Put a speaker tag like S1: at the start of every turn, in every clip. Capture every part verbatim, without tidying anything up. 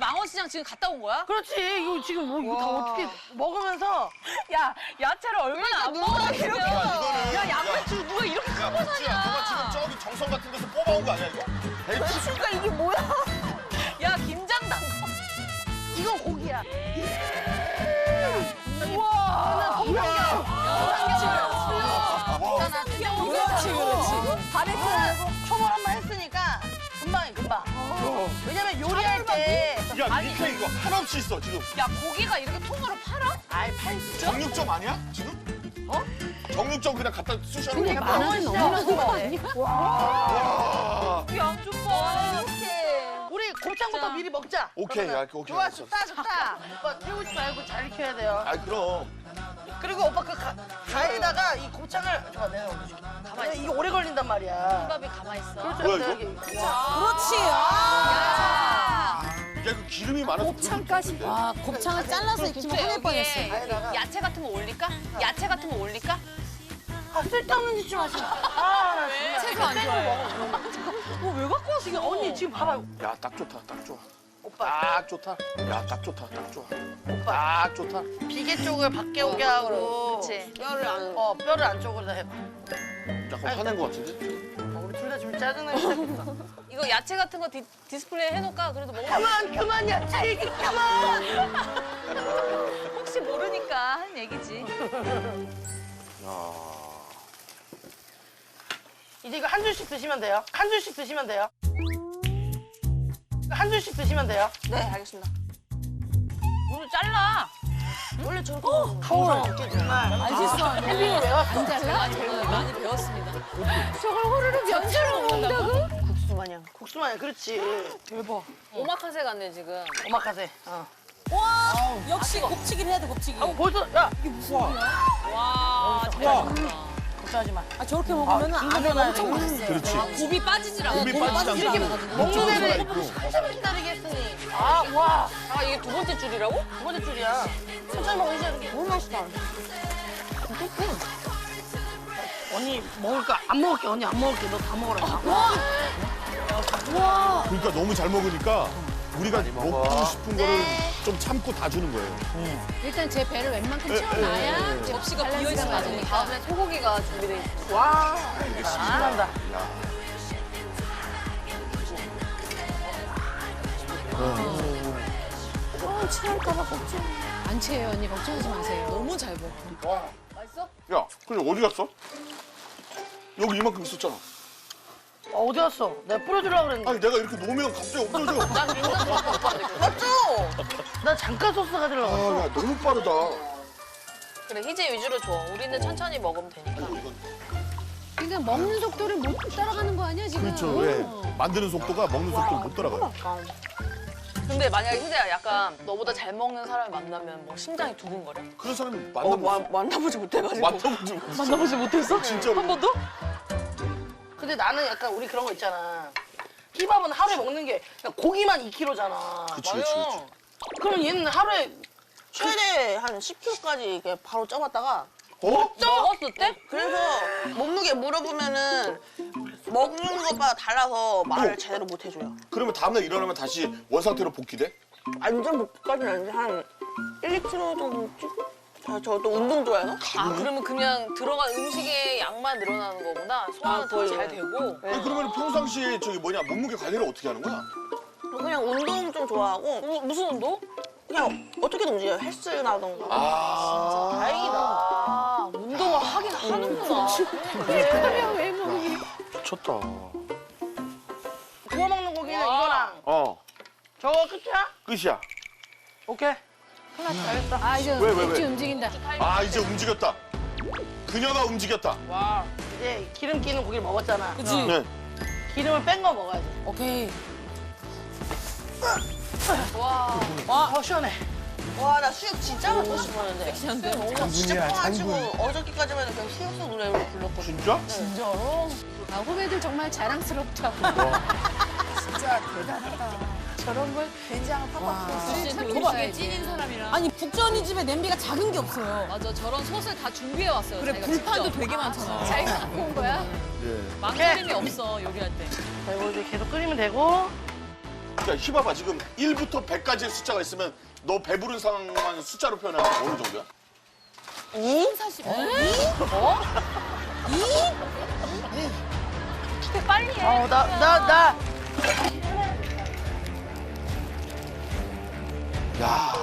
S1: 망원시장 지금 갔다 온 거야?
S2: 그렇지. 이거 지금 뭐 이거 다 어떻게 먹으면서
S1: 야, 야채를 얼마나 안 먹었으면.
S3: 이거는
S1: 야, 양배추 누가 이렇게 큰 거
S3: 야,
S1: 사냐.
S3: 그거 지금 저기 정성 같은 데서 뽑아온 거 아니야 이거?
S1: 배추가 이게 뭐야? 야, 김장 담궈.
S2: 이건 고기야.
S1: 우와.
S2: 홍삼겹.
S1: 그렇지, 그렇지.
S2: 바베큐는 초벌 한 번 했으니까 금방이 금방. 왜냐면 요리할 때
S3: 야 밑에 이거 한없이 있어 지금.
S1: 야, 고기가 이렇게 통으로 팔아?
S2: 아이 팔지.
S3: 정육점 아니야 지금? 어? 정육점 그냥 갖다 쑤셔놓은
S2: 근데
S3: 거.
S2: 만원이 너무나 좋아.
S3: 와.
S1: 양 좀 봐.
S2: 우리 곱창부터 미리 먹자.
S3: 오케이,
S2: 그러면.
S3: 야, 오케이,
S2: 좋아,
S3: 알았어.
S2: 좋다, 좋다. 오빠 태우지 말고 잘 익혀야 돼요.
S3: 아 그럼.
S2: 그리고 오빠 그 가, 가에다가 이 곱창을 좋아 내가 올려줄게. 가만히 이게 오래 걸린단 말이야.
S1: 밥이 가만히 있어.
S2: 그렇죠.
S3: 뭐야, 이거?
S2: 여기.
S1: 그렇지.
S3: 야 그 기름이 많아서
S4: 곱창까지. 와, 곱창을 잘라서 익히면 화낼 뻔했어.
S2: 가에다가.
S1: 야채 같은 거 올릴까? 야채 같은 거 올릴까?
S2: 아 쓸데없는 짓 좀 하지 마. 아, 나 정말.
S1: 채소 안 좋아해.
S2: 뭐왜 갖고 왔어? 이게 언니 지금 봐봐요.
S3: 야 딱 좋다 딱 좋아.
S2: 오빠
S3: 딱 좋다. 야 딱 좋다 딱 좋아.
S2: 오빠
S3: 딱 좋다.
S2: 비계 쪽을 밖에 오게 하고
S1: 그치.
S2: 뼈를 안, 어 뼈를 안쪽으로 다 해봐.
S3: 약간 화낸 거 같은데?
S2: 어, 우리 둘 다 지금 짜증나기 시작했어.
S1: 이거 야채 같은 거 디, 디스플레이 해놓을까? 그래도 먹어.
S2: 그만 그만 야채 얘기 그만.
S1: 혹시 모르니까 하는 얘기지.
S3: 야.
S2: 이제 이거 한 줄씩 드시면 돼요. 한 줄씩 드시면 돼요. 한 줄씩 드시면 돼요.
S1: 네, 알겠습니다. 오늘 잘라.
S4: 원래 저렇게
S2: 가오랑 정말
S4: 맛있어.
S2: 캠핑을 왜 왔어?
S4: 안 잘라?
S1: 많이, 배우, 많이 배웠습니다.
S4: 저걸 호로록 면처럼 먹는다고?
S2: 국수 마냥. 국수 마냥 그렇지. 대박.
S1: 오마카세 같네, 지금.
S2: 오마카세. 어.
S4: 와, 역시 곱치기를 해야 돼, 곱치기.
S2: 아, 벌써 야
S1: 와, 잘한다.
S2: 걱정하지 마.
S4: 아, 저렇게 먹으면
S2: 아,
S4: 안에
S2: 이거는
S4: 엄청
S2: 이거.
S4: 맛있어요.
S3: 그렇지.
S1: 곱이 빠지질 않아.
S3: 곱이
S4: 곱이
S3: 빠지지
S4: 빠지지
S3: 않고.
S4: 않거든요.
S2: 먹는 애를
S3: 있고.
S2: 한참을 기다리게 했으니. 아 와.
S1: 아, 이게 두 번째 줄이라고?
S2: 두 번째 줄이야. 천천히 먹으셔 너무 맛있다. 언니 먹을까? 안 먹을게. 언니 안 먹을게. 너 다 먹어라. 다.
S4: 와,
S3: 그러니까 너무 잘 먹으니까 우리가 먹고 싶은 거를 좀 참고 다 주는 거예요.
S4: 일단 제 배를 웬만큼
S3: 에,
S4: 채워놔야
S3: 에, 에, 에.
S4: 이제
S1: 접시가
S4: 밸런스가
S1: 비어있으면 안 되니까. 다음에 소고기가 준비돼 있어.
S2: 와. 신난다.
S4: 어, 취할까봐 걱정. 안 취해요, 언니. 걱정하지 마세요.
S1: 너무 잘 먹어.
S3: 와.
S1: 맛있어?
S3: 야, 근데 어디 갔어? 여기 이만큼 있었잖아.
S2: 어, 어디 갔어? 내가 뿌려주려고 그랬는데.
S3: 아니 내가 이렇게 놓으면 갑자기 없어져.
S1: 난 굉장히 좋았다, 오빠한테.
S2: 맞죠? 나 잠깐 소스 가지려고 했어.
S3: 아, 야 너무 빠르다.
S1: 그래, 희재 위주로 줘. 우리는 천천히 먹으면 되니까.
S4: 그러니까 먹는 속도를 못 따라가는 거 아니야, 지금?
S3: 그렇죠. 왜? 만드는 속도가 먹는 속도를 못 따라가요.
S1: 근데 만약에 희재야 약간 너보다 잘 먹는 사람을 만나면 뭐 심장이 두근거려?
S3: 그런 사람이
S1: 어,
S3: 만나보지
S1: 마, 만나보지 못해가지고.
S3: 만나보지 못했어.
S1: 만나보지 못했어?
S3: 진짜로.
S1: 한 번도?
S2: 근데 나는 약간 우리 그런 거 있잖아. 힙합은 하루에 먹는 게 그냥 고기만 이 킬로그램잖아.
S3: 그치, 그치, 그치.
S2: 그러면 얘는 하루에
S5: 최대 한 십 킬로그램까지 이렇게 바로 쪄봤다가
S3: 어?
S1: 먹었을 때?
S5: 그래서 몸무게 물어보면은 먹는 것마다 달라서 말을
S3: 어.
S5: 제대로 못 해줘요.
S3: 그러면 다음날 일어나면 다시 원상태로 복귀돼?
S5: 완전 목까지는 아닌데 한 일, 이 킬로그램 정도 찌고 저 또 운동 좋아해서
S1: 아, 그러면 그냥 들어간 음식의 양만 늘어나는 거구나. 소화는
S5: 아,
S1: 더
S5: 거의.
S1: 잘 되고.
S3: 아니 그러면 평상시에 저기 뭐냐 몸무게 관리를 어떻게 하는 거야?
S5: 그냥 운동 좀 좋아하고
S1: 어, 무슨 운동?
S5: 그냥 어떻게든 움직여요. 헬스나던가.
S3: 아,
S2: 다행이다.
S1: 아, 운동을 하긴 하는구나.
S4: 왜 먹이?
S3: 미쳤다.
S2: 구워 먹는 고기는
S1: 와.
S2: 이거랑
S3: 어,
S2: 저거 끝이야?
S3: 끝이야.
S2: 오케이. 알겠어.
S4: 아, 이제
S3: 왜, 왜,
S4: 맥주
S3: 왜?
S4: 움직인다.
S3: 아 이제 움직였다. 그녀가 움직였다.
S1: 와.
S2: 이제 기름 끼는 고기를 먹었잖아.
S4: 그치?
S3: 네.
S2: 기름을 뺀 거 먹어야지.
S4: 오케이.
S1: 와.
S2: 와, 어, 시원해.
S5: 와, 나 수육 진짜 먹고 싶었는데.
S1: 섹시한데?
S5: 진짜 커가지고 어저께까지만 해도 그냥 수육수 노래로 불렀거든.
S3: 진짜?
S4: 진짜로? 아, 후배들 정말 자랑스럽다고. 진짜 대단하다. 저런 걸 된장을 팍팍
S1: 진짜 음식에 찐인 사람이라.
S6: 아니 북전이 집에 냄비가 작은 게 없어요.
S1: 맞아, 저런 솥을 다 준비해 왔어요.
S6: 그래
S1: 자기가
S6: 불판도
S1: 직접.
S6: 되게 많잖아.
S1: 자기가 갖고 온 거야?
S3: 예.
S1: 망설임이 없어, 요리할 때.
S2: 자, 이거 이제 계속 끓이면 되고.
S3: 야, 희봐봐. 지금 일부터 백까지의 숫자가 있으면 너 배부른 상황만 숫자로 표현하면 어느 정도야?
S1: 근데 빨리 해.
S2: 어, 나, 나, 나.
S3: 야.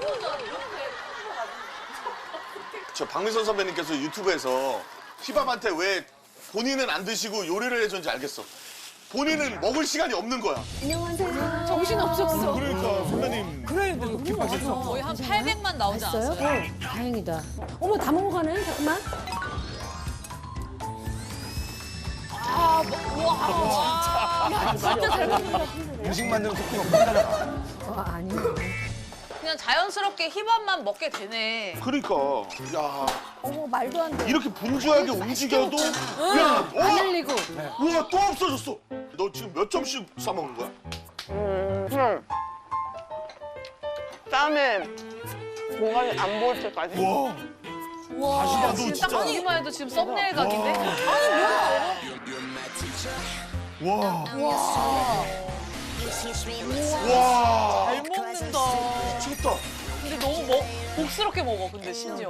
S3: 저 박미선 선배님께서 유튜브에서 희밥한테 왜 본인은 안 드시고 요리를 해줬는지 알겠어. 본인은 먹을 시간이 없는 거야.
S4: 정신 없었어.
S3: 그러니까 선배님.
S1: 거의 한 팔백만 나오지 않았어요?
S4: 다행이다. 어머 다 먹어가네. 잠깐만.
S1: 아, 뭐, 와, 진짜 잘 먹는다.
S7: 음식 만드는 속도가 빨리 따라가.
S4: 어, 아니.
S1: 그냥 자연스럽게 힙합만 먹게 되네.
S3: 그러니까. 야.
S4: 어머 말도 안 돼.
S3: 이렇게 분주하게 움직여도 야,
S4: 안
S3: 어?
S4: 흘리고.
S3: 우와 또 없어졌어. 너 지금 몇 점씩 싸 먹는 거야?
S5: 음. 땀에 공간이 안 보일 때까지.
S3: 우와.
S1: 와,
S3: 아, 너
S1: 지금
S3: 진짜.
S1: 딱 보기만 해도 지금 썸네일 각인데?
S3: 와.
S1: 와,
S3: 와.
S1: 잘 먹는다.
S3: 미쳤다.
S1: 근데 너무 먹, 복스럽게 먹어, 근데 심지어.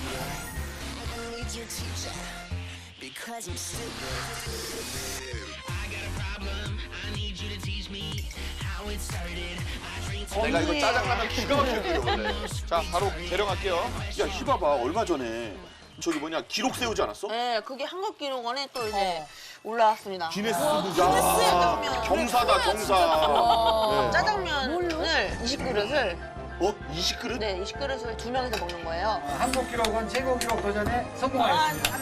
S3: 내가 이거 짜장라면 기가 막히게 끓여 원래. 자 바로 계량할게요. 야 희봐봐 얼마 전에 저기 뭐냐 기록 세우지 않았어?
S5: 네, 그게 한국 기록원에 또 이제 올라왔습니다.
S3: 기네스
S5: 기네스의 짜장면.
S3: 경사다 경사. 네.
S5: 짜장면을 이십 그릇을
S3: 어? 이십 그릇?
S5: 네, 이십 그릇을 두 명이서 먹는 거예요.
S7: 한국 기록원 최고 기록 도전에 성공하였습니다.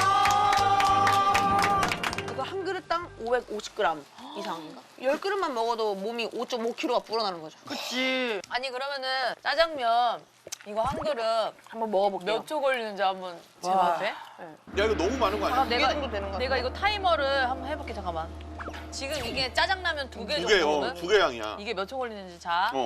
S5: 이거 한 그릇당 오백오십 그램 이상인가? 열 그릇만 먹어도 몸이 오 점 오 킬로그램가 불어나는 거죠.
S2: 그치.
S1: 아니, 그러면은 짜장면 이거 한 그릇
S5: 한번 먹어볼게요.
S1: 몇 초 걸리는지 한번 재봐도 돼?
S3: 야 이거 너무 많은 거 아니야?
S1: 아, 내가,
S5: 정도 되는 것
S1: 내가 이거 타이머를 한번 해볼게, 잠깐만. 지금 이게 짜장라면 두 개
S3: 두 개, 어,
S1: 정도거든?
S3: 두 개 양이야.
S1: 이게 몇 초 걸리는지 자.
S3: 어.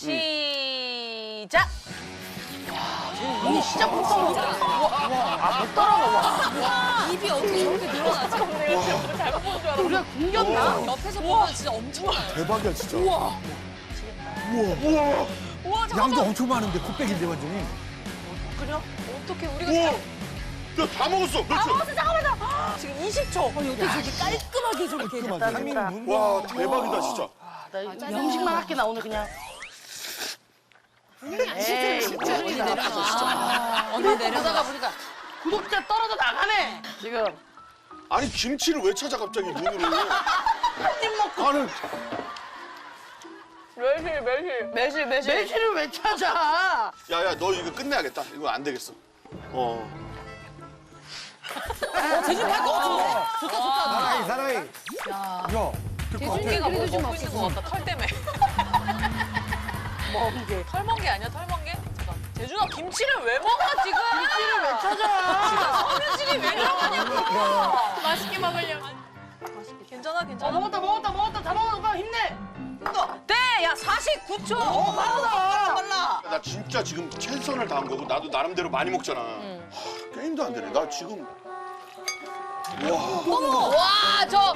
S1: 시작!
S2: 이미 시작부터 먹어. 아, 못 따라가.
S1: 입이 어떻게 저렇게 늘어나지? 내가 지금 잘못 본 줄 알았어.
S2: 우리가 굶겼나?
S1: 옆에서 보면 진짜 엄청 많아.
S3: 대박이야 진짜.
S1: 우와.
S3: 우와. 우와.
S1: 우와,
S7: 양도
S1: 잠깐만.
S7: 엄청 많은데 곱빼기인데 완전히.
S1: 그래? 어떻게 우리가
S3: 우와.
S1: 진짜
S3: 야 다 먹었어. 몇 초?
S1: 지금 이십 초.
S4: 어떻게 저렇게 깔끔하게 저렇게.
S7: 깔끔하게. 삼 인분.
S3: 와 대박이다 진짜.
S2: 나 이 음식만 할게, 나 오늘 그냥. 에이,
S1: 진짜 언니 내려놔.
S2: 아,
S1: 언니
S2: 보다가
S1: 내려놔.
S2: 보니까 구독자 떨어져 나가네, 지금.
S3: 아니 김치를 왜 찾아 갑자기 눈으로?
S2: 한입 먹고.
S3: 아니
S1: 매실, 매실. 매실, 매실.
S2: 매실을 왜 찾아?
S3: 야야 너 이거 끝내야겠다. 이거 안 되겠어. 어.
S1: 대중할 것 같은데? 좋다, 좋다.
S7: 사랑이 사랑이.
S1: 야,
S7: 야.
S1: 대중이가 뭐 먹고 있는 것 같다, 털 때문에.
S2: 멍게.
S1: 털멍게 아니야, 털멍게? 잠깐. 대준아, 김치를 왜 먹어, 지금?
S2: 김치를 왜 찾아?
S1: 서민실이 왜 들어가냐고. 맛있게 먹으려고. 괜찮아,
S2: 어,
S1: 괜찮아.
S2: 먹었다, 먹었다, 먹었다. 다 먹었다. 오빠 힘내.
S1: 네, 야, 사십구 초.
S2: 어, 빠르다.
S5: 빨라.
S3: 나 진짜 지금 최선을 다한 거고 나도 나름대로 많이 먹잖아. 하, 게임도 안 되네. 나 지금 와
S1: 와, 저.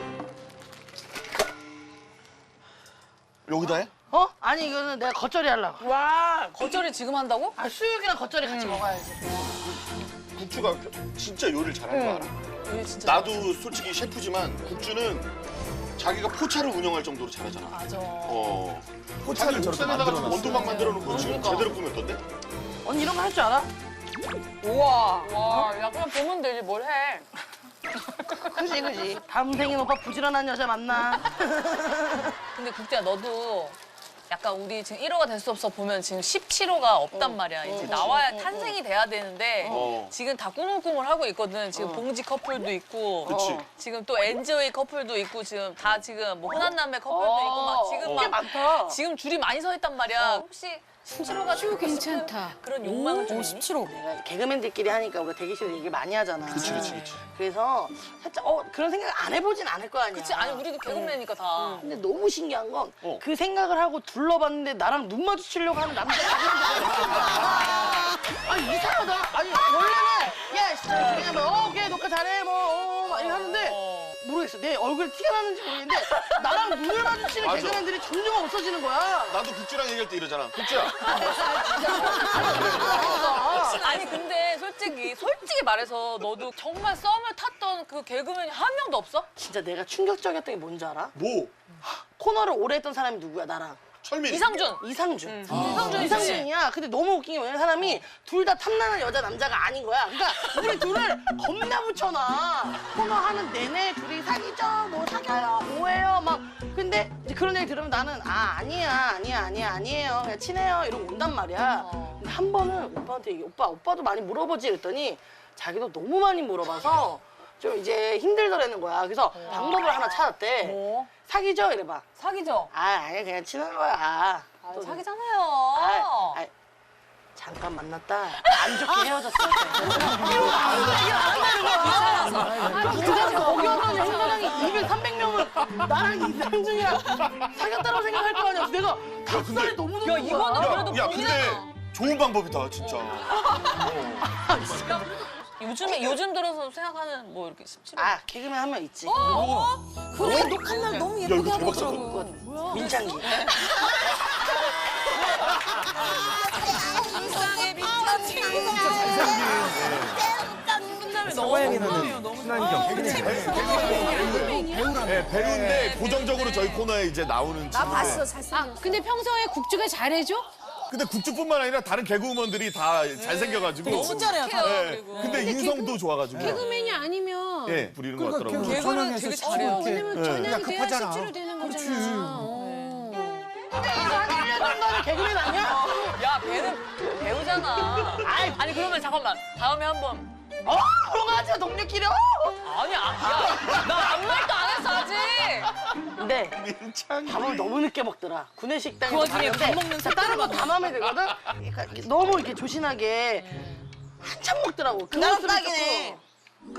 S3: 여기다 해?
S2: 어? 아니, 이거는 내가 겉절이 하려고.
S1: 와, 겉절이 지금 한다고?
S2: 아, 수육이랑 겉절이 같이 먹어야지.
S3: 국주가 진짜 요리를 잘하는 거 알아.
S1: 이게 진짜.
S3: 나도 솔직히 셰프지만 국주는 자기가 포차를 운영할 정도로 잘하잖아.
S1: 맞아.
S3: 어.
S7: 포차를
S3: 자기
S7: 저렇게
S3: 옥상에다가
S7: 만들어놨어.
S3: 원두막 만들어 놓고 지금 제대로 꾸몄던데?
S2: 언니 이런 거 할 줄 알아?
S1: 우와. 와, 야, 그냥 보면 되지, 뭘 해.
S2: 그지, 그지. 다음 생엔 오빠 부지런한 여자 만나.
S1: 근데 국대야, 너도 약간 우리 지금 일 호가 될 수 없어 보면 지금 십칠 호가 없단 말이야. 이제 나와야 탄생이 돼야 되는데
S3: 어.
S1: 지금 다 꾸물꾸물 하고 있거든. 지금 봉지 커플도 있고
S3: 그치.
S1: 지금 또 엔조이 커플도 있고 지금 다 지금 뭐 흔한 남매 커플도 있고 막 지금
S2: 꽤
S1: 막
S2: 많다.
S1: 지금 줄이 많이 서 있단 말이야. 혹시 십칠 호가 되고 싶은
S4: 괜찮다.
S1: 그런 욕망은 좀 있니?
S4: 십칠 호.
S2: 내가 개그맨들끼리 하니까 우리가 대기실에 얘기 많이 하잖아.
S3: 그치, 그치, 그치.
S2: 그래서 살짝 어 그런 생각 안 해보진 않을 거 아니야.
S1: 그치, 아니 우리도 개그맨이니까 다.
S2: 근데 너무 신기한 건 그
S3: 어.
S2: 생각을 하고 둘러봤는데 나랑 눈 마주치려고 하는 남자가 아니 이상하다. 아니 원래는 야 씨, 그냥 뭐 어, 오케이 녹화 잘해 뭐 어, 막 이렇게 하는데 모르겠어. 내 얼굴에 티가 나는지 모르겠는데 나랑 눈을 마주치는
S3: 맞아.
S2: 개그맨들이 점점 없어지는 거야.
S3: 나도 국주랑 얘기할 때 이러잖아. 국주야.
S1: 아니 근데 솔직히 솔직히 말해서 너도 정말 썸을 탔던 그 개그맨이 한 명도 없어?
S2: 진짜 내가 충격적이었던 게 뭔지 알아?
S3: 뭐?
S2: 코너를 오래 했던 사람이 누구야 나랑?
S3: 철민이.
S1: 이상준.
S2: 이상준.
S1: 이상준이지.
S2: 이상준이야. 근데 너무 웃긴 게 뭐냐면 사람이 둘 다 탐나는 여자 남자가 아닌 거야. 그러니까 우리 둘을 겁나 붙여놔. 코너 하는 내내 둘이 사귀죠, 뭐 사겨요, 뭐해요, 막. 근데 이제 그런 얘기 들으면 나는 아 아니야, 아니야, 아니야, 아니에요, 그냥 친해요 이러고 온단 말이야. 근데 한 번은 오빠한테 얘기, 오빠, 오빠도 많이 물어보지 이랬더니 자기도 너무 많이 물어봐서 좀 이제 힘들더라는 거야. 그래서 방법을 하나 찾았대.
S1: 뭐?
S2: 사귀죠 이래봐.
S1: 사귀죠?
S2: 아 아니야 그냥 친한 거야.
S1: 아,
S2: 또
S1: 사귀잖아요.
S2: 아, 아, 잠깐 만났다. 안 좋게 헤어졌어. 거기 오는 행사장이 이백, 삼백 명은 나랑 이상준이랑 사귀었다고 생각할 거 아니야. 내가 닭살이 너무 높은
S1: 야, 이거는
S2: 거야.
S1: 그래도
S3: 야, 근데 좋은 방법이다, 진짜.
S1: 요즘에 요즘 들어서 생각하는 뭐 이렇게 십칠 호.
S2: 아 개그맨 한 명 있지.
S6: 그래 녹한 날 너무 예쁘게
S3: 이거
S6: 하고
S3: 대박
S6: 있더라고.
S2: 민창기.
S1: 세상에 미쳤지. 끝나면 너무 궁금해요. 너무
S3: 네, 배우인데 고정적으로 저희 코너에 이제 나오는
S6: 나
S3: 친구인데.
S6: 봤어 잘생겼어.
S4: 아, 근데 평소에 국주가 잘해줘?
S3: 근데 국주뿐만 아니라 다른 개그우먼들이 다 잘생겨가지고.
S1: 너무 잘해요.
S3: 네,
S1: 그리고.
S3: 근데 인성도 좋아가지고.
S4: 개그맨이 아니면
S3: 예, 부리는 것 같더라고요.
S1: 개그는
S7: 전화해서
S1: 되게 잘해요.
S4: 왜냐면
S3: 네.
S4: 전향이 돼야
S7: 급하잖아.
S4: 십칠로 되는
S7: 그렇지.
S4: 거잖아. 어.
S2: 한 일 년 정도 하는 개그맨 아니야?
S1: 야, 걔는 배우잖아. 아니, 아니 그러면 잠깐만. 다음에 한번.
S2: 어 그런 거 하지 마 동료끼리. 어.
S1: 아니, 아, 야, 나 아무 말도 안 했어 아직.
S2: 근데
S3: 민창기.
S2: 밥을 너무 늦게 먹더라. 구내 식당에서
S1: 그 와중에
S2: 봤는데
S1: 밥 먹는
S2: 진짜 다른 거 다 마음에 들거든. 그러니까 이렇게 너무 이렇게 조신하게 한참 먹더라고.
S5: 나랑
S2: 그것들을
S5: 딱이네.
S2: 조금-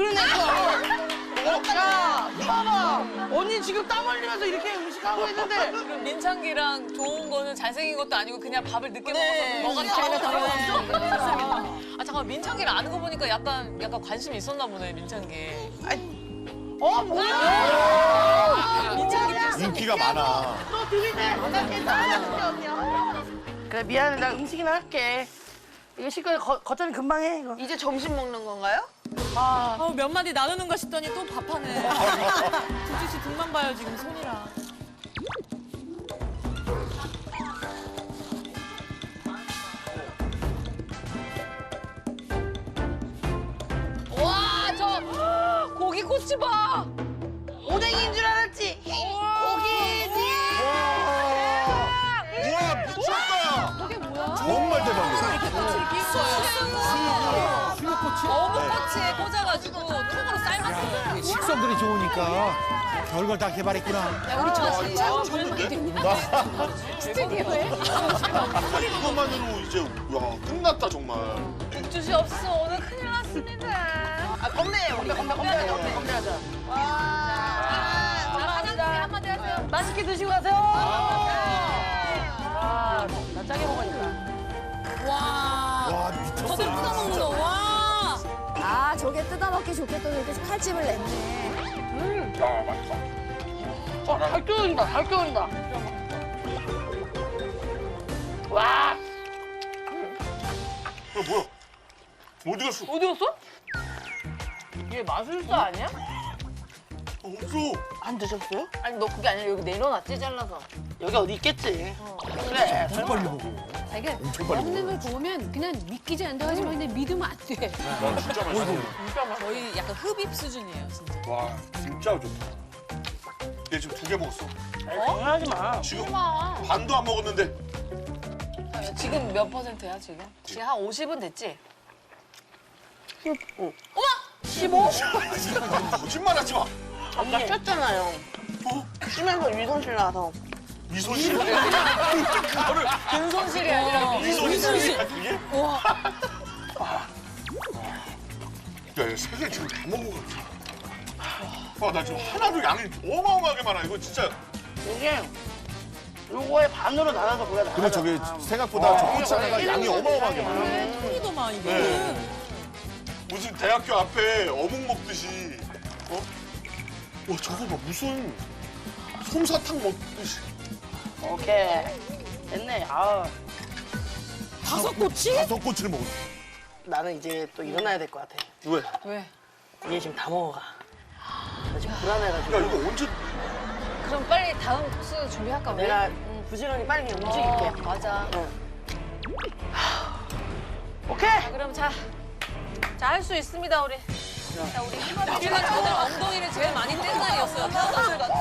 S2: 그러니까 야 봐봐 언니 지금 땀 흘리면서 이렇게 음식 하고 있는데
S1: 그럼 민창기랑 좋은 거는 잘생긴 것도 아니고 그냥 밥을 늦게
S5: 네,
S1: 먹어서 너가
S5: 제가
S1: 잘못
S5: 다
S1: 먹었어? 아 잠깐 민창기를 아는 거 보니까 약간 약간 관심이 있었나 보네 민창기.
S2: 어 뭐야
S1: 민창기
S3: 인기가 많아.
S2: 또 들이대 언니야 그래 미안해 나 음식이나 할게 이거 실컷 겉절이 금방 해 이거
S5: 이제 점심 먹는 건가요?
S2: 아
S8: 어, 몇 마디 나누는가 싶더니 또 밥하네. 국주 씨 등만 봐요 지금 손이랑.
S1: 와 저 고기 꼬치 봐.
S2: 오뎅인 줄 알았지 고기지
S3: 우와, 미쳤다.
S4: 저게 뭐야?
S3: 정말 대박이야.
S7: 수육꼬치?
S1: 어묵 꼬치에 꽂아가지고 통으로 삶았어.
S7: 식성들이 좋으니까 별걸 다 개발했구나.
S4: 야, 우리 저 진짜 젊은이 됐냐? 스튜디오에?
S3: 이것만으로 이제, 야, 끝났다, 정말.
S1: 국주 씨 없어 오늘 큰일 났습니다.
S2: 아 건배 건배 건배 건배 건배 건배하자
S1: 자 사장님이 한마디 하세요.
S2: 맛있게 드시고 가세요 아, 나 짜게 먹으니까
S8: 와.
S3: 와, 미쳤어.
S8: 저들 뜯어먹는 거. 와.
S6: 아 저게 뜯어먹기 좋겠다고 이렇게 칼집을 냈네.
S2: 어, 잘 끓는다, 잘 끓는다. 와,
S3: 야, 뭐야? 어디 갔어?
S1: 어디 갔어? 얘 마술사 아니야?
S3: 어, 없어.
S2: 안 드셨어요?
S1: 아니 너 그게 아니라 여기 내려놨지 잘라서.
S2: 여기 어디 있겠지. 그래.
S7: 엄청 빨리 먹어.
S4: 자기가
S3: 엄청 빨리
S4: 먹는 걸 보면 그냥 믿기지 않다 하지만 근데 믿으면 안 돼.
S3: 와, 진짜 맛있어.
S8: 거의 약간 흡입 수준이에요 진짜.
S3: 와, 진짜 좋다. 얘 지금 두 개 먹었어.
S2: 장난하지 마.
S3: 지금 반도 안 먹었는데.
S1: 지금 몇 퍼센트야 지금? 지금 한 오십은 됐지?
S2: 십오?
S3: 거짓말하지 마.
S2: 아까 쉬었잖아요.
S3: 어?
S2: 쉬면서 위성실 나와서.
S3: 미소실. 그거를
S1: 근손실이 아니라
S3: 미소실. 그게? 와. 야, 얘 세 개 지금 다 먹은 거 같아. 와, 나 지금 하나도 양이 어마어마하게 많아. 이거 진짜.
S2: 이게 요거의 반으로 나눠서 그래.
S3: 근데 저게 생각보다 저 꼬치 하나가 양이 어마어마하게 많아.
S8: 톤이더만 이게.
S3: 네. 무슨 대학교 앞에 어묵 먹듯이. 어? 와 저거 봐 무슨 솜사탕 먹듯이.
S2: 오케이. 됐네. 아,
S8: 다섯 꼬치?
S3: 다섯 꼬치를 먹었어.
S2: 나는 이제 또 일어나야 될 것 같아.
S3: 왜?
S1: 왜?
S2: 얘 지금 다 먹어가. 나 지금 불안해가지고.
S3: 야 이거 언제?
S1: 그럼 빨리 다음 코스 준비할까 우리?
S2: 내가 부지런히 빨리 그냥 움직일게.
S1: 어, 맞아.
S2: 오케이.
S1: 자, 그럼 자, 자 할 수 있습니다 우리. 자 우리 희망이 우리가 오늘 엉덩이를 제일 많이 뗀 날이었어요. 태어났을 같아.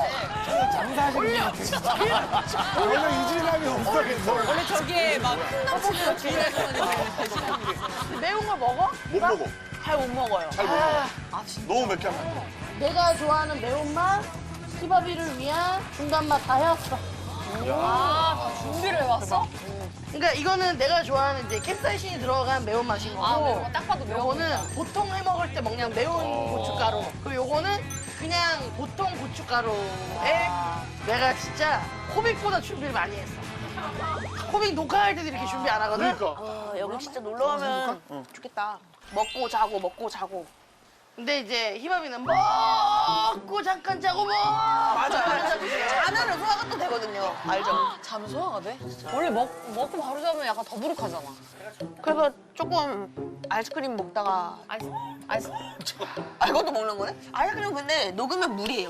S7: 원래 이질감이 없어.
S8: 원래 저기에 막큰 남친을 주의하는
S2: 매운 거 먹어?
S3: 못 먹어.
S2: 잘 못 먹어요.
S3: 잘 못 먹어. 너무 맵게 하면 안 돼.
S2: 내가 좋아하는 매운맛, 히바비를 위한 중간맛 다 해왔어.
S1: 아, 다 준비를 해왔어?
S2: 그러니까 이거는 내가 좋아하는 이제 캡사이신이 들어간 매운맛인 거고.
S1: 아, 매운 거 딱 봐도 매운
S2: 요거는
S1: 거구나.
S2: 보통 해 먹을 때 먹는 매운 고춧가루. 그리고 요거는 그냥 보통 고춧가루에 내가 진짜 코빅보다 준비를 많이 했어. 코빅 녹화할 때도 이렇게 준비 안 하거든?
S3: 그러니까.
S5: 아, 여기 진짜 놀러 가면 좋겠다. 먹고 자고 먹고 자고.
S2: 근데 이제 희밥이는 먹고 잠깐 자고 먹고 잠깐 자고
S5: 자면은 소화가 또 되거든요. 알죠?
S1: 잠 소화가 돼? 원래 먹, 먹고 바로 자면 약간 더부룩하잖아.
S5: 그래서 조금 아이스크림 먹다가
S1: 아이스, 아이스.
S5: 아 이것도 먹는 거네? 아이스크림 근데 녹으면 물이에요.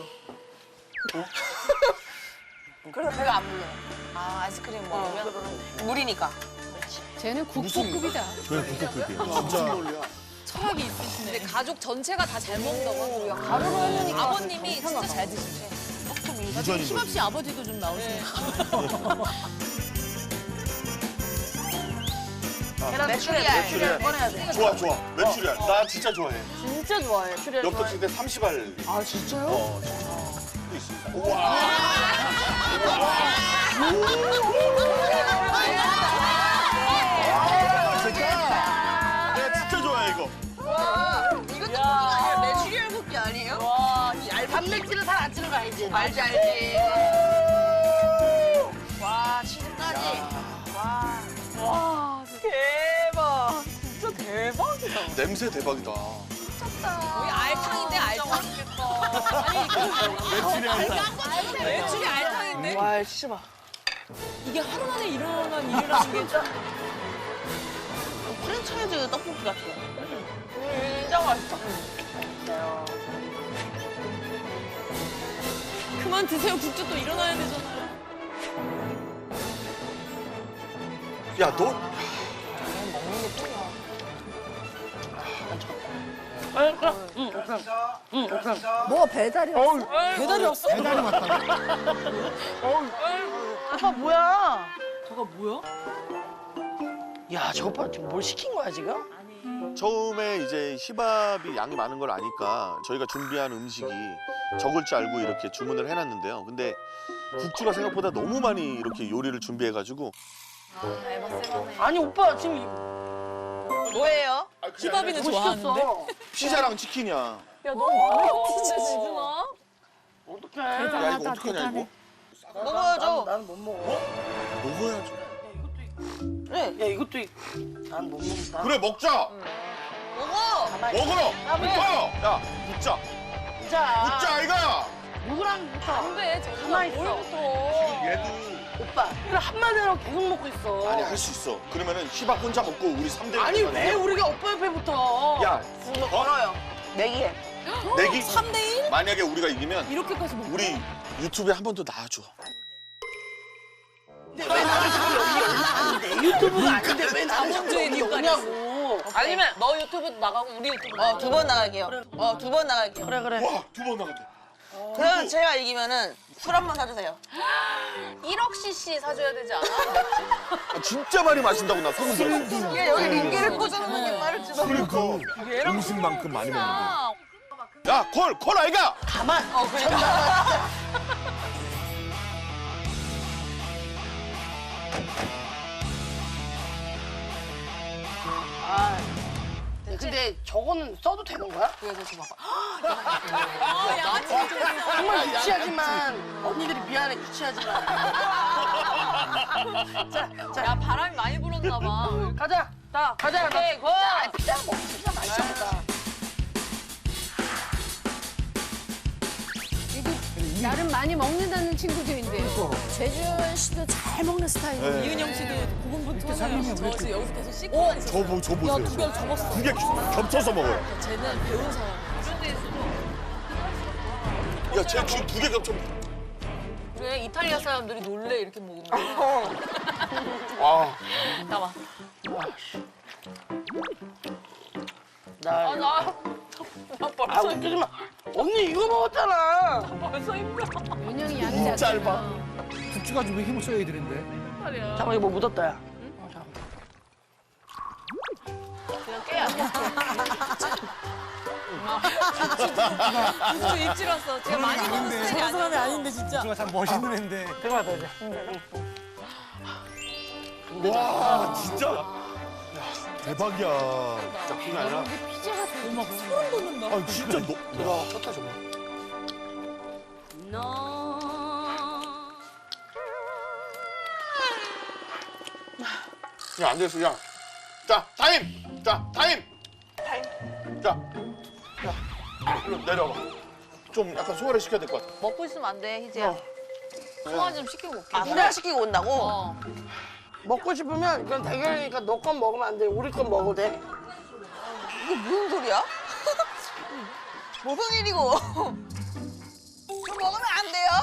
S5: 그래서 배가 안 불러요.
S1: 아, 아이스크림
S5: 어,
S1: 먹으면?
S5: 물이니까.
S4: 쟤는 국보급이다.
S7: 저희 국토급이에요. 진짜.
S1: 철학이 있으시네. 근데 가족 전체가 다 잘 먹는다고 하고 가루로 하려니까 아버님이 진짜 잘 드시네.
S7: 유전인
S8: 희밥
S7: 거지.
S8: 씨 아버지도 좀 나오시네.
S2: 계란 메추리알 메추리알 꺼내야 돼.
S3: 좋아 좋아. 메추리알. 나 진짜 좋아해.
S2: 진짜 좋아해. 메추리알
S3: 엽떡
S2: 좋아해.
S3: 칠때 삼십 알.
S2: 아 진짜요?
S3: 어 진짜. 또 있습니다. 우와. 내가 진짜 좋아해 이거.
S5: 이것도 국이 아니라 메추리알 국기 아니에요? 와, 이 얇은
S2: 단백질은 살 안 찌는 거 알지?
S5: 알지 알지. 와, 치즈까지. 와. 대박. 진짜 대박이다.
S3: 냄새 대박이다.
S1: 우리 알탕인데 알탕. 아니,
S3: 메추리알.
S1: 매출이 알탕인데?
S2: 와 진짜 봐.
S8: 이게 하루 만에 일어난 일이라는 게 진짜.
S5: 프랜차이즈 떡볶이 같아요.
S1: 진짜 맛있어.
S8: 그만 드세요. 국주 또 일어나야 되잖아.
S3: 야 너.
S6: 뭐 배달이 왔어?
S8: 배달이 왔어?
S7: 배달이 왔다.
S2: 오빠 뭐야?
S8: 저거 뭐야?
S2: 야 저거 봐 지금 뭘 시킨 거야 지금?
S3: 처음에 이제 희밥이 양이 많은 걸 아니까 저희가 준비한 음식이 적을 줄 알고 이렇게 주문을 해놨는데요. 근데 국주가 생각보다 너무 많이 이렇게 요리를 준비해가지고
S2: 아니 오빠 지금
S5: 뭐예요?
S8: 희밥이는
S2: 뭐
S8: 좋아하는데.
S2: 시켰어?
S3: 피자랑 치킨이야.
S1: 야, 너무 많은 거 같은데, 지준아?
S2: 어떡해?
S3: 야 이거 어떡하냐 이거?
S5: 먹어야죠.
S2: 나는 못 먹어.
S3: 먹어야죠.
S5: 그래.
S2: 야 이것도 난 못 먹는다.
S3: 그래 먹자.
S5: 먹어.
S3: 먹으러. 붙어. 야 붙자.
S2: 진짜.
S3: 붙자 아이가.
S2: 누구랑 붙어?
S1: 안 돼, 저거
S2: 가만히 있어.
S1: 뭘부터.
S3: 얘도
S2: 오빠 이걸 한마디로 계속 먹고 있어.
S3: 아니 할 수 있어. 그러면은 희밥 혼자 먹고 우리 삼 대.
S2: 아니 왜 우리가 오빠 옆에 붙어?
S3: 야
S5: 이거 걸어요. 내기해.
S3: 내기.
S8: 삼 대 일?
S3: 만약에 우리가 이기면
S8: 이렇게까지 먹어.
S3: 우리 유튜브에 한 번 더 나와줘.
S2: 근데 왜 나를 자꾸 여기 올라가는데? 유튜브가 아닌데 왜 나를 자꾸
S1: 자본주의
S2: 여기
S1: 국가였어.
S2: 오냐고.
S1: 아니면 너 유튜브도 나가고 우리 유튜브
S5: 어, 두 번 나갈게요. 어, 두 번 나갈게요.
S2: 그래 그래.
S3: 와 두 번 나갔대.
S5: 그러면 제가 이기면은 술 한 번 사주세요.
S1: 일억 씨씨 사줘야 되지 않아?
S3: 아, 진짜 많이 마신다고 나 소문 들었어.
S5: 얘 여기 링기를 꽂아놓는 게 빠를지도.
S3: 그러니까.
S7: 음식만큼 많이 먹는 거.
S3: 야 콜! 콜 아이가!
S2: 가만.
S5: 어, 그러니까.
S2: 아. 근데 저거는 써도 되는 거야?
S1: 그래서 좀 봐봐.
S2: 정말 유치하지만 언니들이 미안해 유치하지만. 자, 자
S1: 야, 바람이 많이 불었나 봐.
S2: 가자. 자 가자.
S1: 오케이, 고!
S2: 아, 피자 먹 피자 맛있겠다.
S4: 나름 많이 먹는다는 친구들인데.
S6: 최주현 씨도 잘 먹는 스타일이에요.
S3: 네.
S8: 이은영 씨도 고군분투하네요.
S1: 저 지금 여기서 계속 씻고만 있었어.
S3: 저, 보, 저 보세요.
S8: 두 개를 접었어.
S3: 두 개 겹쳐서 먹어요.
S1: 쟤는 배운 사람.
S3: 야, 쟤 지금 두 개 겹쳐.
S1: 그래 이탈리아 사람들이 놀래 이렇게 먹으면.
S3: 아,
S1: 잠깐만.
S2: 나
S1: 아 나. 나
S2: 아
S1: 벌써
S2: 웃기지 마. 언니 이거 먹었잖아.
S1: 벌써 힘들어.
S4: 은영이 양이 작잖아.
S3: 짧아.
S7: 국주 가지고 왜 힘을 써야 되는데?
S1: 말이야.
S2: 잠깐 이거 뭐 묻었다 야.
S1: 그냥 깨야 돼. 국주 입질 왔어. 제가 많이 먹는 스타일이 아니야.
S8: 사람이 아닌데 진짜.
S7: 국주가 참 멋있는 애인데.
S2: 잠깐만 더 이제.
S3: 와, 진짜. 대박이야. 진짜 그게 아니라.
S8: 막 소름 돋는다.
S3: 아, 진짜 너. 와, 쳤다 정말. 야, 안 됐어, 야. 자, 타임! 자, 타임! 타임. 자, 야, 일로 내려봐. 좀 약간 소화를 시켜야 될 것 같아.
S1: 먹고 있으면 안 돼, 희재야. 소화 좀 시키고 올게.
S5: 아, 소화시키고 온다고?
S1: 어.
S2: 먹고 싶으면 이건 대결이니까 너 건 먹으면 안 돼. 우리 건 먹어도 돼.
S5: 이게 무슨 소리야? 무슨 일이고? 저 먹으면 안 돼요?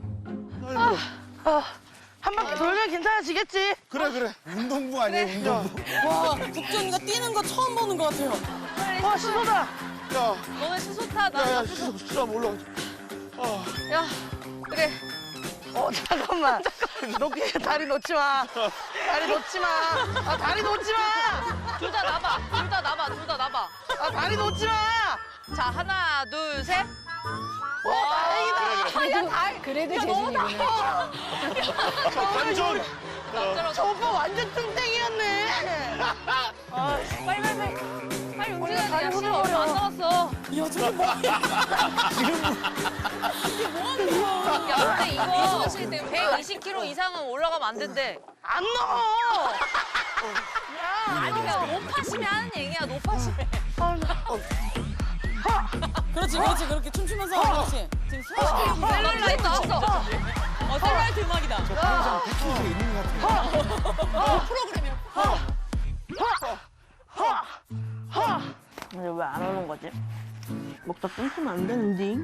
S2: 한 바퀴 돌면 괜찮아지겠지.
S3: 그래, 그래.
S7: 운동부 아니에요, 운동부.
S8: 와, 국주 언니가 뛰는 거 처음 보는 것 같아요.
S2: 와 시소다.
S3: 야,
S1: 너네 시소 타. 나
S3: 야, 야,
S1: 옆에서.
S3: 시소, 시소 한번 올라가자. 아,
S1: 야, 그래.
S2: 어 잠깐만. 놓기 다리 놓지 마. 다리 놓지 마. 아 다리 놓지 마.
S1: 둘 다 나봐. 둘 다 나봐. 둘 다 나봐.
S2: 아 다리 놓지 마.
S1: 자, 하나, 둘, 셋.
S2: 와 다행이다.
S4: 그래도, 그래도 재준이구나.
S3: 반전.
S1: 남자로
S2: 저 오빠 완전 뚱땡이였네.
S1: 빨리 빨리 빨리. 빨리 움직여야 돼. 야, 시간 얼마 안 남았어.
S8: 야, 저게 뭐야?
S1: 야, 근데 이거 백이십 킬로그램 이상은 올라가면 안 된대.
S2: 안 넘어.
S1: 아니, 그냥 높아시면 하는 얘기야, 높아시면.
S8: 그렇지, 그렇지. 그렇게 춤추면서 하는 거지. 지금 소화.
S1: 셀룰라이트 나왔어.
S8: 어, 셀라이트 음악이다.
S7: 패키지에 있는 것 같아요.
S8: 프로그램이야.
S2: 근데 왜 안 오는 거지? 먹다 끊기면 안 되는데.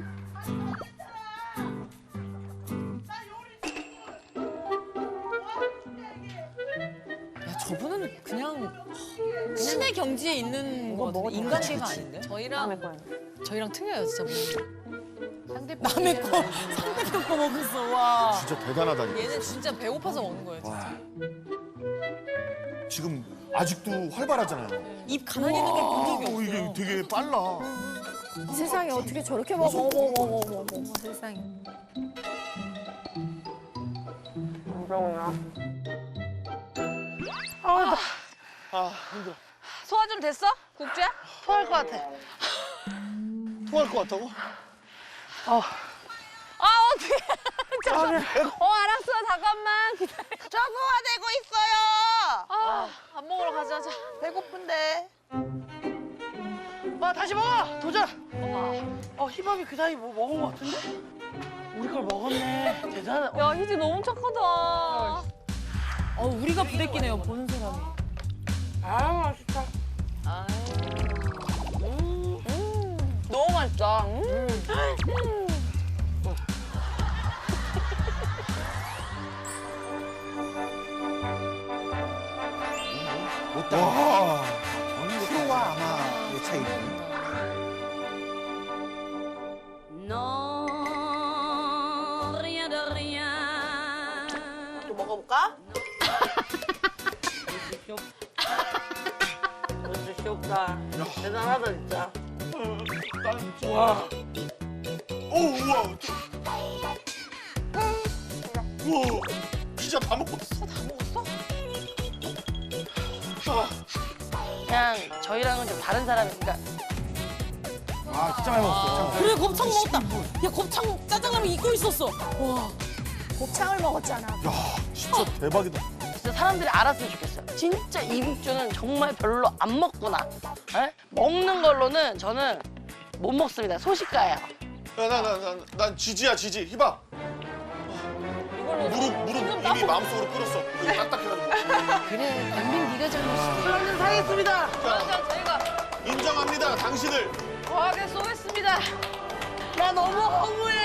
S8: 야, 저분은 그냥 신의 경지에 있는 거 같은데 인간계가 아닌데?
S1: 저희랑, 저희랑 틀려요, 진짜.
S8: 남의 거 상대편 거 먹었어. 와.
S3: 진짜 대단하다니까.
S1: 얘는 진짜 배고파서 먹는 거예요, 진짜.
S3: 지금 아직도 활발하잖아요.
S8: 입 가만히 있는 걸 본 적이
S3: 어,
S8: 없어요.
S3: 이게 되게 빨라.
S6: 세상에 어떻게 저렇게 먹어. 어머, 어머, 어머, 어머, 어머, 세상에.
S2: 아,
S3: 아, 힘들어.
S1: 소화 좀 됐어? 국주야?
S2: 토할 것 같아.
S3: 토할 것 같다고?
S2: 어.
S1: 아, 어떡해. 잠깐. 어, 알았어. 잠깐만. 기다려.
S5: 저 소화되고 있어요.
S1: 아, 밥 먹으러 가자. 자.
S5: 배고픈데.
S2: 와 다시 먹어. 도전. 어 희밥이 그 사이 뭐 먹은 것 같은데? 우리 걸 먹었네. 대단하다.
S1: 야, 희지 너무 착하다.
S8: 어, 우리가 부대끼네요, 보는 사람이.
S2: 아 맛있다.
S5: 너무 맛있다. 음.
S7: 못다.
S3: 와.
S7: 프로와 아마의 차이네.
S5: 또 먹어볼까?
S2: 진짜 귀엽다. 대단하다 진짜. 와.
S3: 오, 우와. 우와. 진짜 다 먹었어.
S1: 다 먹었어?
S3: 아,
S2: 그냥 저희랑은 좀 다른 사람이니까.
S7: 아, 진짜 많이 먹었어.
S8: 그래, 곱창 먹었다. 야, 곱창 짜장라면 잊고 있었어. 와.
S6: 곱창을 먹었잖아.
S3: 야, 진짜 대박이다.
S2: 진짜 사람들이 알았으면 좋겠어요. 진짜 이국주는 정말 별로 안 먹구나. 에? 먹는 걸로는 저는 못 먹습니다. 소식가예요.
S3: 나나나난 난 지지야 지지. 희바.
S1: 이걸로
S3: 무릎 무릎 이미 마음속으로 꿇었어. 여기 딱딱해가지고.
S4: 그래, 강민 네가 잘못이야.
S2: 저는 사겠습니다.
S1: 그러면 저희가
S3: 인정합니다. 당신을.
S1: 거하게 쏘겠습니다.
S2: 나 너무 허무해.